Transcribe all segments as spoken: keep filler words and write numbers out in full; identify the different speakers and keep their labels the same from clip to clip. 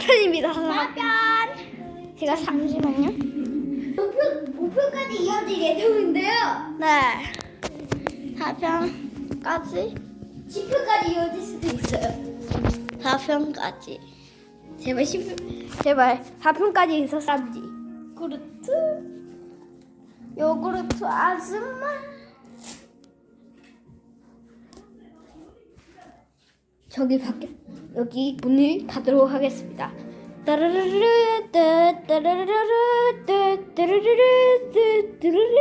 Speaker 1: 편입니다. 사 편. 제가 잠시만요.
Speaker 2: 오 편까지 이어질 예정인데요.
Speaker 1: 네. 사 편까지.
Speaker 2: 십 편까지 이어질 수도 있어요.
Speaker 1: 사 편까지. 제발 십 편, 제발 사 편까지 있었지.
Speaker 2: 그루트,
Speaker 1: 요구르트 아줌마. 저기 밖에 여기 문을 닫도록 하겠습니다. 따르르르 따 따르르르 따 따르르르 따 따르르르.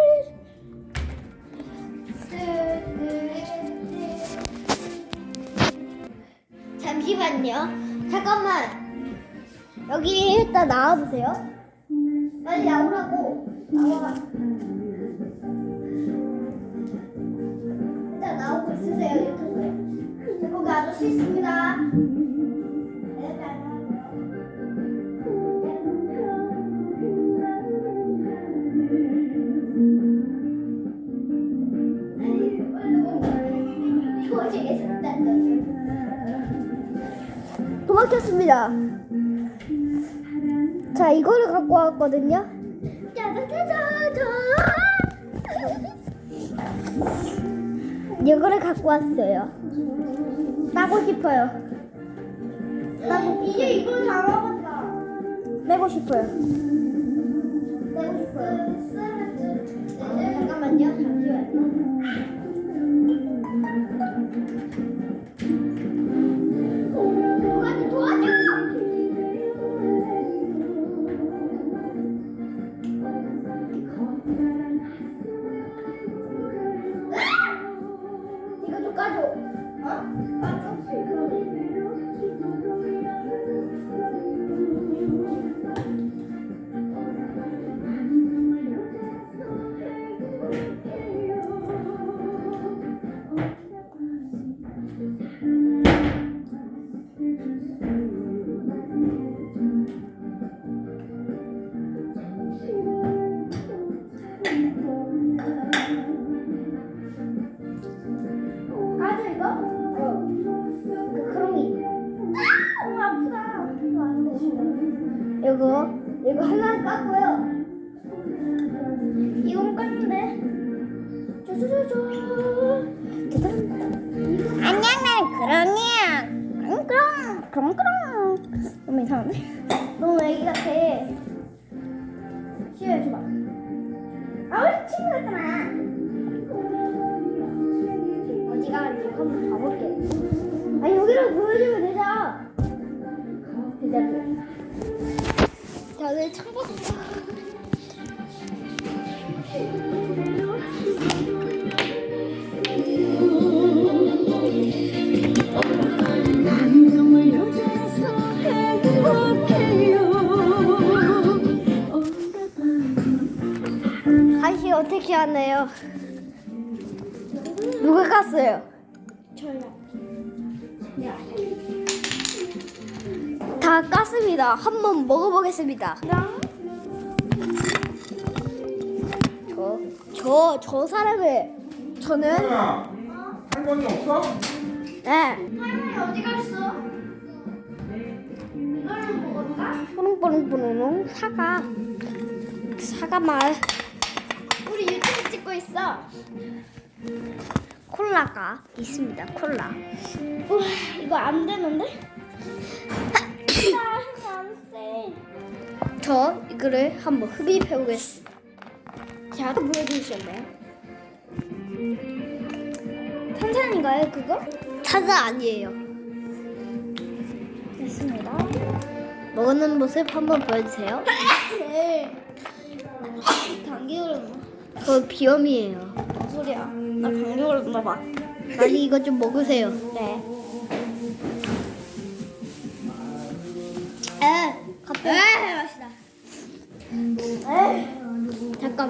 Speaker 2: 잠시만요. 잠깐만. 여기 일단 나와보세요. 빨리 나오라고. 나와. 일단 나오고 있으세요 유튜브에. 저 거기 아저씨 있습니다. 네, 잘 나와요. 도와주겠습니다.
Speaker 1: 도망쳤습니다. 자, 이거를 갖고 왔거든요.
Speaker 2: 짜자자자자.
Speaker 1: 이거를 갖고 왔어요. 따고 싶어요.
Speaker 2: 따고 이제 이걸 다 먹었다.
Speaker 1: 빼고 싶어요.
Speaker 2: 내고 싶어요. 네, 잠깐만요. 잠시만요. 도와줘, 도와줘. 이거 좀 까줘. 어? 까줘. 까줘 이거? 어. 그 크롱이. 아, 너무 아프다. 이거 안 되시네.
Speaker 1: 이거 이거 하나
Speaker 2: 깠고요. 이건 깠는데. 쪼쪼쪼쪼.
Speaker 1: 안녕, 나는 그런이야. 그럼 그럼 그럼. 너무 이상한데?
Speaker 2: 너무 애기 같아. 쉬어줘봐. 아, 우리 친구 같잖아. 어디가 이제 한번 봐볼게. 아, 여기로 보여주면 되죠. 되자고.
Speaker 1: 다들 참고서. 다시 어떻게 하나요? 누가 깠어요?
Speaker 2: 저요.
Speaker 1: 다 깠습니다. 한번 먹어보겠습니다. 저, 저, 저 사람을 저는
Speaker 3: 야, 할머니 없어?
Speaker 1: 네
Speaker 2: 할머니 어디 갔어? 이거를 먹을까?
Speaker 1: 뽀롱뽀롱뽀롱 사과 사과 맛
Speaker 2: 우리 유튜브 찍고 있어.
Speaker 1: 콜라가 있습니다. 콜라.
Speaker 2: 우와, 이거 안 되는데? 아, 안 돼.
Speaker 1: 저 이거를 한번 흡입해 보겠습니다.
Speaker 2: 자, 또 보여주셨나요? 탄산인가요, 그거?
Speaker 1: 타자 아니에요.
Speaker 2: 됐습니다.
Speaker 1: 먹는 모습 한번 보여주세요.
Speaker 2: 네. 감기 걸렸나?
Speaker 1: 그거 비염이에요.
Speaker 2: 무슨 소리야? 나 감기 걸렸나 봐.
Speaker 1: 빨리 이거 좀 먹으세요.
Speaker 2: 네.
Speaker 1: 에, 갑자기.
Speaker 2: 에이, 맛있다. 에이.
Speaker 1: 잠깐.